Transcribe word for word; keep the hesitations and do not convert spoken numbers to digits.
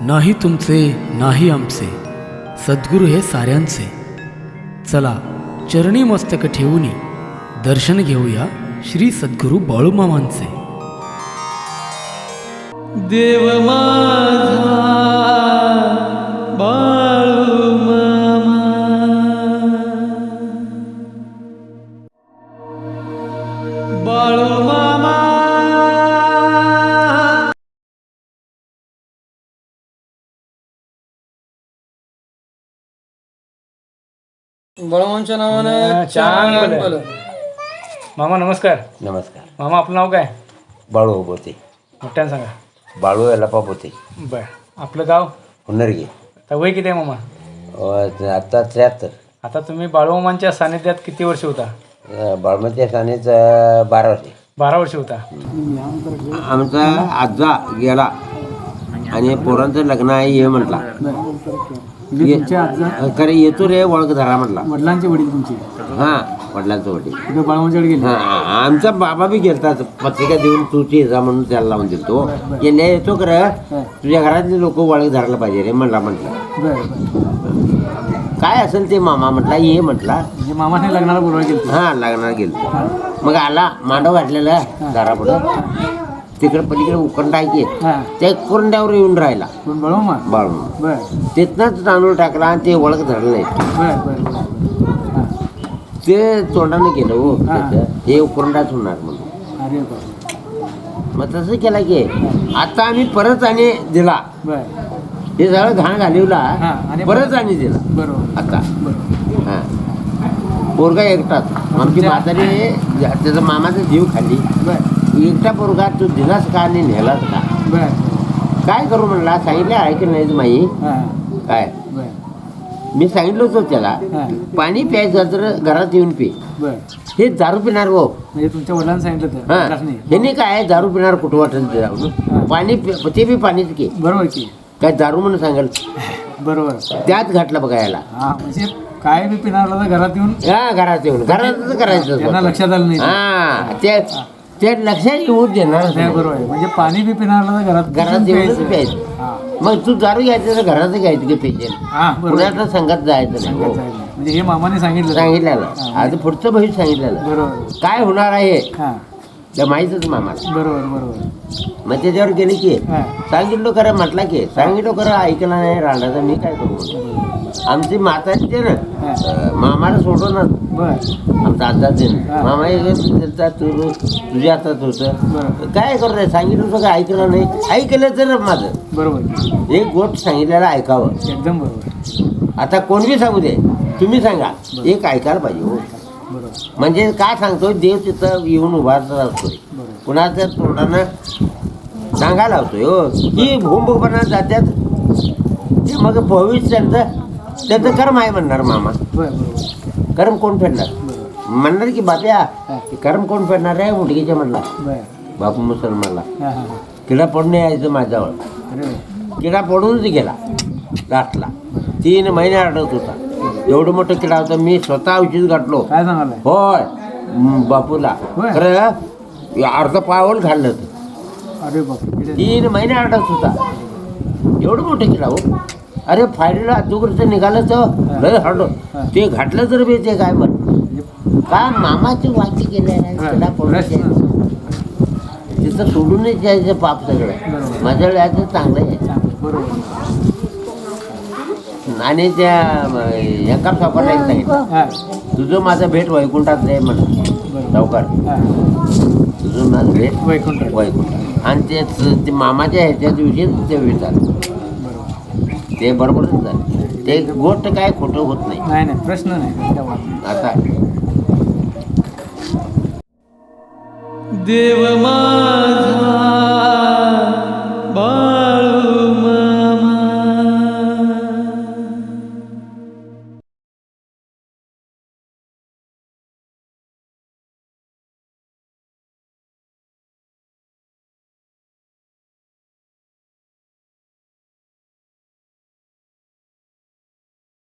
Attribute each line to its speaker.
Speaker 1: नाही तुमचे नाही आमचे, सद्गुरू हे साऱ्यांचे. चला चरणी मस्तक ठेवूनी दर्शन घेऊया श्री सद्गुरू बाळूमामांचे.
Speaker 2: देव माझा बाळूमामा, बाळूमामा बाळूमामांच्या नावानं चांगलं बोला.
Speaker 3: मामा नमस्कार.
Speaker 4: नमस्कार.
Speaker 3: मामा आपलं नाव काय?
Speaker 4: बाळू होते.
Speaker 3: मोठ्यानं सांगा.
Speaker 4: बाळू यालापा होते.
Speaker 3: बरं. आपलं गाव?
Speaker 4: हुन्नरगे.
Speaker 3: आता वय किती आहे मामा?
Speaker 4: अं, आता त्र्याहत्तर.
Speaker 3: आता तुम्ही बाळूमामांच्या सानिध्यात किती वर्ष होता?
Speaker 4: बाळमती सानेच बारा वर्षे.
Speaker 3: बारा वर्ष होता.
Speaker 4: आमचा आजा गेला आणि पोरांचं लग्न आहे ये म्हटला. खरे येतो रे ओळख धरा म्हटला.
Speaker 5: वडिलांचे वडील तुमचे?
Speaker 4: हां, वडिलांचं वडील.
Speaker 5: बाळूमामांच्याकडे गेले?
Speaker 4: हां, आमचा बाबा बी गेलता पत्रिका देऊन तू जा म्हणून त्याला लावून दिलतो. गेल्या येतो खरं तुझ्या घरातले लोक ओळख धरायला पाहिजे रे म्हणला. म्हटलं काय असेल ते मामा म्हटला ये म्हटला.
Speaker 5: म्हणजे मामाने लग्नाला बोलवायला गेलं?
Speaker 4: हां, लग्नाला गेलो. मग आला मांडव घातलेला दारापुढं. तिकडे पलीकडे उकंड आहे की त्या कोरंड्यावर येऊन राहिला
Speaker 5: बाळूमामा.
Speaker 4: बाळूमामा तिथनंच तांदूळ टाकला आणि ते ओळख धरलं नाही. ते तोंडानं गेलं हो हे उकरंडाच होणार म्हणून. मग तसं केला की आता आम्ही परत आणि दिला. हे सगळं घाण घालवला परत आणि दिला.
Speaker 5: बरोबर.
Speaker 4: आता हां, पोरगा एकटाच. आमची म्हातारी त्याचा मामाचा जीव खाली. एकटा पोरगा तू दिलास का आणि नेलास का? काय करू म्हणला. सांगितलं ऐकलं नाही माई काय. मी सांगितलं होतं त्याला पाणी प्यायचं तर घरात येऊन पी. हे दारू पिणार हो.
Speaker 5: म्हणजे तुमच्या वडिलांनी सांगितलं?
Speaker 4: हां, हे काय दारू पिणार कुठं वाटेल ते जाऊन पाणी ते बी पाणीच की.
Speaker 5: बरोबर की.
Speaker 4: काय दारू म्हणून सांगाल.
Speaker 5: बरोबर.
Speaker 4: त्यात घातलं बघायला.
Speaker 5: हा, म्हणजे काय बी पिणारला तर घरात येऊन.
Speaker 4: हा, घरात येऊन घरातच करायचं.
Speaker 5: त्यांना लक्षात आलं नाही.
Speaker 4: हा, ते ते लक्षात येऊ देणार.
Speaker 5: बरोबर आहे. म्हणजे पाणी बी पिणारला तर घरात
Speaker 4: घरात येऊनच प्यायचं. मग तू दारू घ्यायचं तर घरात घ्यायचं की पेशंट.
Speaker 5: हा,
Speaker 4: पुण्याच्या संघात जायचं नाही.
Speaker 5: म्हणजे हे मामाने सांगितलं?
Speaker 4: सांगितलेलं. आता पुढचं भविष्य सांगितलेलं.
Speaker 5: बरोबर.
Speaker 4: काय होणार आहे
Speaker 5: हा,
Speaker 4: त्या माहीतच मामा.
Speaker 5: बरोबर बरोबर.
Speaker 4: मग त्याच्यावर गेली की
Speaker 5: हा,
Speaker 4: सांगितलं खरं म्हटला की सांगितलं खरं ऐकला नाही राहण्याचा मी काय करू. आमची माता ते ना मामाला सोडूनच
Speaker 5: बर
Speaker 4: आमचा आजाच आहे. मामा त्यांचा तू तुझ्या हातात होतं. काय करू नाही सांगितलं सगळं ऐकलं नाही. ऐकलं तर माझं
Speaker 5: बरोबर.
Speaker 4: एक गोष्ट सांगितलेलं ऐकावं.
Speaker 5: एकदम बरोबर.
Speaker 4: आता कोण बी सांगू दे तुम्ही सांगा एक ऐकायला पाहिजे हो. म्हणजे काय सांगतो देव तिथं येऊन उभारत असतो. कुणाच्या तोंडानं सांगायला होतोय हो की भूमभूपणात जात्यात ते मग भविष्य त्यांचं त्याचं कर्म आहे म्हणणार मामा. कर्म कोण फेडणार म्हणणार की बाप्या कर्म कोण फेडणार आहे मुलगीच्या म्हणला. बापू मुसलमानला किडा पडून यायचं माझ्यावर. किडा पडूनच गेला लास्टला. तीन महिने अडत होता. एवढं मोठं किडा होता. मी स्वतः औषध गाठलो.
Speaker 5: काय सांगाल?
Speaker 4: होय बापूला. खरं अर्ध पावल घाललं होतं.
Speaker 5: अरे बाप.
Speaker 4: तीन महिने अडत होता. एवढं मोठं किडा हो. अरे फायरीला अजूकडचं निघालं तर लय हरडो. ते घातलं तर बी ते काय म्हण का मामाची वाची केली किडा पडून तिथं सोडूनच यायचं पाप सगळं. माझ्या वेळाचं चांगलं आहे. आणि त्या एका सावकाराला एक सांगितलं तुझं माझं भेट वैकुंठात आहे म्हणून सावकार. तुझं माझं भेट
Speaker 5: वैकुंठ
Speaker 4: वैकुंठ. आणि ते ते मामाच्या ह्याच्या दिवशी ते विचारलं ते बरोबरच झालं. ते गोष्ट काय खोटं होत नाही.
Speaker 5: नाही नाही प्रश्न नाही.
Speaker 4: आता
Speaker 2: देव मा